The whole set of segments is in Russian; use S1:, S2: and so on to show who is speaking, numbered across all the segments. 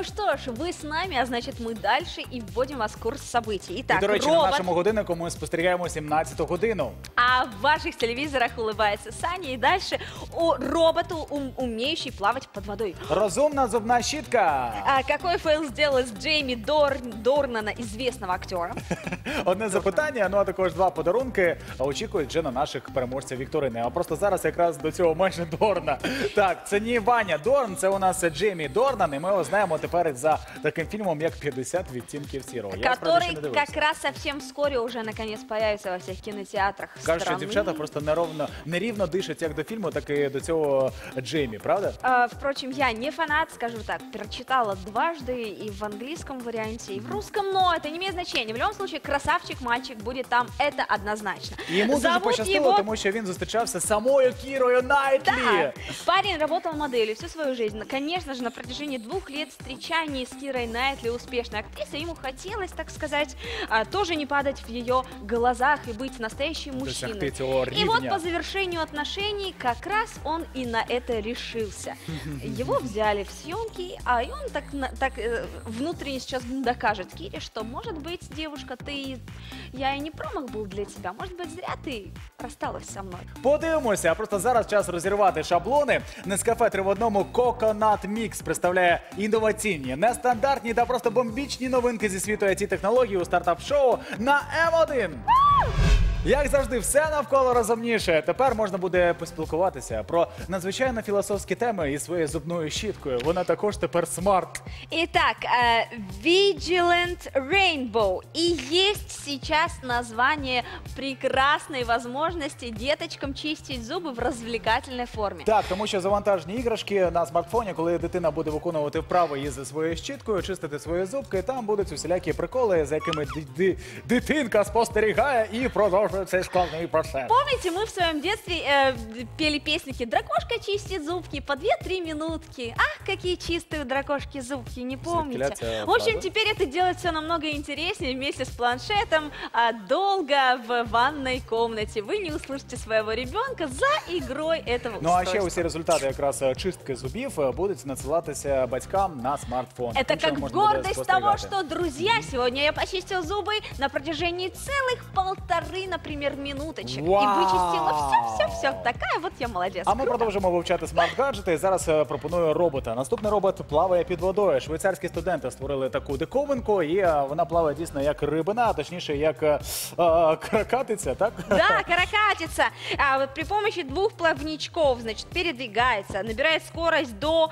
S1: Ну что ж, вы с нами, а значит мы дальше и вводим вас в курс событий. Итак,
S2: І, до речі, на
S1: робот,
S2: нашому годиннику ми спостерігаємо 17-ту годину.
S1: а в ваших телевизорах улыбается Саня. И дальше о роботу, умеющий плавать под водой.
S2: Розумна зубна щітка.
S1: А какой фейл сделал из Джейми Дорнана, известного актера?
S2: Одне запитання, ну а також два подарунки очікують вже на наших переможців вікторини. А просто зараз якраз до цього майже Дорна. Так, це не Ваня Дорн, це у нас Джеймі Дорнан, і ми його знаємо тепер за таким фільмом, як «50 відтінків сірого». Я, справді, ще не
S1: Который
S2: дивився.
S1: как раз совсем вскоре уже наконец появится во всех кинотеатрах
S2: Кажуть, що
S1: страны.
S2: дівчата просто нерівно дишать як до фільму, так і до цього Джеймі, правда?
S1: Впрочем, я не фанат, скажу так, прочитала дважды и в английском варианте, и в русском, но это не имеет значения. В любом случае, красавчик мальчик будет там, это однозначно.
S2: І йому дуже пощастило, тому що він зустрічався з самою Кірою Найтлі.
S1: Да, парень работал моделью всю свою жизнь. Конечно же, на протяжении 2 лет встречаний с Кирой Найтли, успешной актрисой, ему хотелось, так сказать, тоже не падать в ее глазах и быть настоящим мужчиной.
S2: Досягти цього
S1: И вот
S2: рівня.
S1: по завершению отношений как раз он и на это решился. Его взяли в съемки, и он так внутренне сейчас докажет Кире, что, может быть, девушка, я и не промах был для тебя. Может быть, зря ты рассталась со мной.
S2: Подивимося, а просто зараз час розірвати шаблони. Нескафе 3 в одному Coconut Mix представляє інноваційні, нестандартні та просто бомбічні новинки зі світу IT-технологій у стартап-шоу на М1. Як завжди, все навколо розумніше. Тепер можна буде поспілкуватися про надзвичайно філософські теми із своєю зубною щіткою. Вона також тепер смарт.
S1: Итак, Vigilant Rainbow. И есть сейчас название прекрасной возможности деточкам чистить зубы в развлекательной форме.
S2: Так, тому що завантажені іграшки на смартфоні, коли дитина буде виконувати вправи із своєю щіткою, чистити свої зубки, там будуть усілякі приколи, за якими дитинка спостерігає і продовжує цей складний процес.
S1: Помните, мы в своем детстве пели песенки «Дракошка чистит зубки» по 2-3 минутки. Ах, какие чистые у дракошки зубки, не помните? В общем, теперь это делать все намного интереснее вместе с планшетом, долго в ванной комнате. Вы не услышите своего ребенка за игрой этого
S2: Ну а
S1: устройства.
S2: ще усі результати якраз чистки зубів будуть надсилатися батькам на смартфон.
S1: Это
S2: Тим, що
S1: как
S2: можна буде
S1: гордость того,
S2: спостерігати.
S1: что, друзья, сегодня я почистил зубы на протяжении целых 1,5, например, минуточек.
S2: Вау!
S1: И вычистила все. Такая вот я молодец.
S2: А ми
S1: Круто.
S2: продовжимо вивчати смарт-гаджети. Зараз пропоную робота. Наступний робот плаває під водою. Швейцарські студенти створили таку диковинку, і вона плаває дійсно як рибина, а точніше як каракатиця, так?
S1: Да, каракатица. Вот при помощи 2 плавничков, значит, передвигается, набирает скорость до...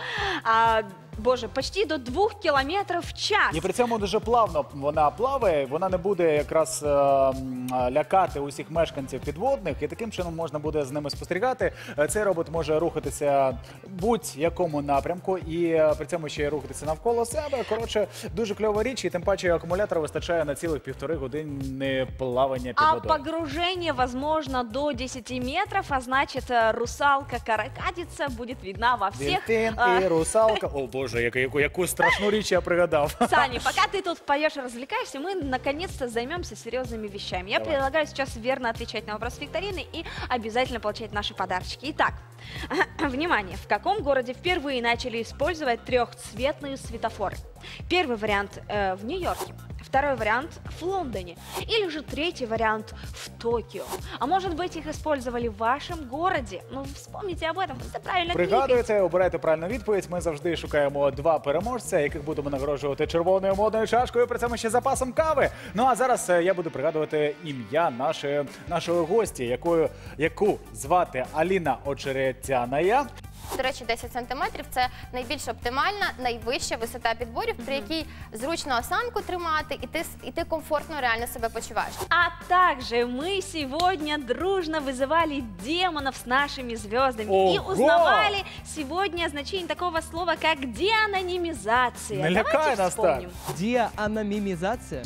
S1: почти до 2 километров в час.
S2: І при цьому дуже плавно вона плаває, вона не буде якраз лякати усіх мешканців підводних, і таким чином можна буде з ними спостерігати. Цей робот може рухатися будь-якому напрямку і при цьому ще й рухатися навколо себе. Коротше, дуже кльова річ, і тим паче акумулятора вистачає на цілих 1,5 години плавання під водою.
S1: А погружение возможно до 10 метров, а значит, русалка-каракатица будет видна во всех...
S2: Дельфін і русалка. О боже, яку страшну річ я пригадав.
S1: Саня, пока ты тут поешь и развлекаешься, мы наконец-то займемся серьезными вещами. Я предлагаю сейчас верно отвечать на вопрос викторины и обязательно получать наши подарочки. Итак, внимание, в каком городе впервые начали использовать 3-цветные светофоры? Первый вариант в Нью-Йорке, второй вариант в Лондоне или же третий вариант в Токио. А может быть, их использовали в вашем городе? Ну, вспомните об этом, это правильно кликайте.
S2: Пригадуєте, обирайте правильну відповідь. Ми завжди шукаємо 2 переможця, яких будемо нагороджувати червоною модною чашкою, при цьому ще запасом кави. Ну а зараз я буду пригадувати ім'я нашої гості, яку звати Аліна Очеретяная.
S3: До речі, 10 сантиметрів – це найбільш оптимальна, найвища висота підборів, при якій зручно осанку тримати, і ти комфортно реально себе почуваєш.
S1: А также мы сегодня дружно вызывали демонов с нашими звездами и узнавали сегодня значение такого слова, как деанонимизация.
S2: Не лякай
S1: Давайте
S2: нас так.
S1: вспомним.
S4: Деанонимизация.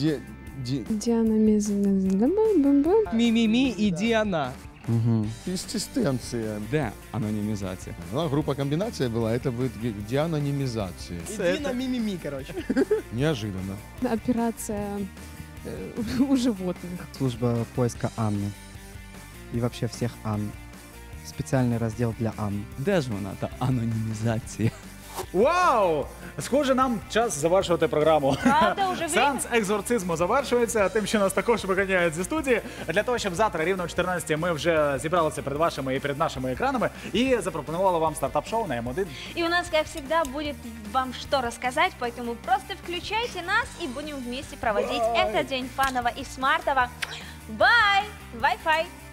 S5: Мимими и Диана.
S6: Консистенция.
S4: Деанонимизация.
S6: Группа комбинация была, это будет деанонимизация.
S5: Дина мимими, короче.
S6: Неожиданно.
S7: Операция у животных.
S8: Служба поиска Анны. И вообще всех Анн. Специальный раздел для Анн.
S4: Де ж вона, та анонімізація?
S2: Вау! Схоже, нам час завершувати програму.
S1: Правда, уже время?
S2: Сеанс екзорцизму завершується, тим, що нас також виганяють зі студії. Для того, щоб завтра рівно о 14 ми вже зібралися перед вашими і перед нашими екранами і запропонували вам стартап-шоу на М1.
S1: И у нас, как всегда, будет вам что рассказать, поэтому просто включайте нас и будем вместе проводить этот день фаново и смартово. Бай! Wi-Fi!